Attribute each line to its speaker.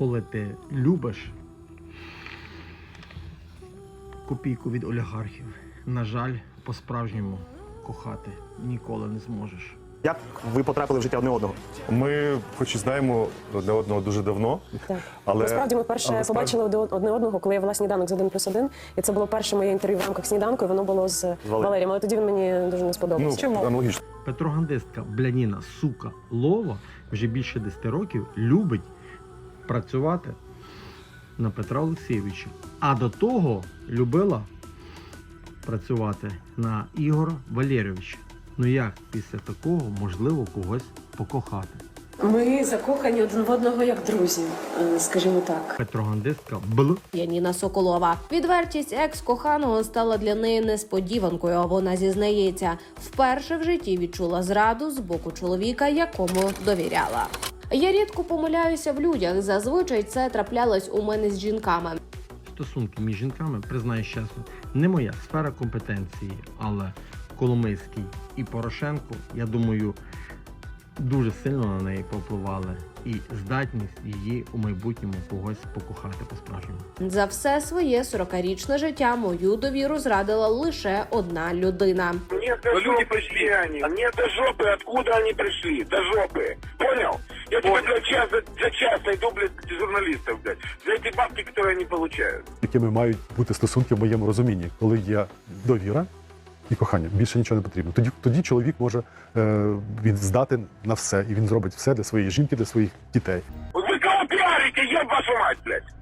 Speaker 1: коли ти любиш копійку від олігархів, на жаль, по-справжньому кохати ніколи не зможеш.
Speaker 2: Як ви потрапили в життя одне одного?
Speaker 3: Ми, хоч і знаємо одне одного дуже давно,
Speaker 4: Так.
Speaker 3: але...
Speaker 4: Насправді ми вперше побачили одне одного, коли я вела «Сніданок» з 1+1. І це було перше моє інтерв'ю в рамках «Сніданку», і воно було з Валерієм. Але тоді він мені дуже не сподобався.
Speaker 3: Ну, аналогічно.
Speaker 1: Петрогандистка Бляніна, сука, Лова вже більше 10 років любить працювати на Петра Олексійовича. А до того любила працювати на Ігора Валерійовича. Ну як після такого можливо когось покохати?
Speaker 4: Ми закохані один в одного як друзі, скажімо так.
Speaker 1: Петрогандистка Бл.
Speaker 5: Яніна Соколова. Відвертість екс-коханого стала для неї несподіванкою. Вона зізнається, вперше в житті відчула зраду з боку чоловіка, якому довіряла. Я рідко помиляюся в людях. Зазвичай це траплялось у мене з жінками.
Speaker 1: Стосунки між жінками, признаюсь чесно, не моя сфера компетенції, але Коломийський і Порошенко, я думаю, дуже сильно на неї повпливали і здатність її у майбутньому когось покохати по-справжньому.
Speaker 5: За все своє 40-річне життя мою довіру зрадила лише одна людина.
Speaker 6: Мне до люди пришли они. Мне до жопы, откуда они пришли. До жопы. Понял? Я тебе за час найду, блядь, журналистов, блядь. За эти бабки, которые они получают.
Speaker 7: Якими мають бути стосунки в моєму розумінні, коли є довіра і кохання. Більше нічого не потрібно. Тоді чоловік може він здати на все, і він зробить все для своєї жінки, для своїх дітей.
Speaker 6: Вот вы кого пиарите, еб вашу мать, блядь.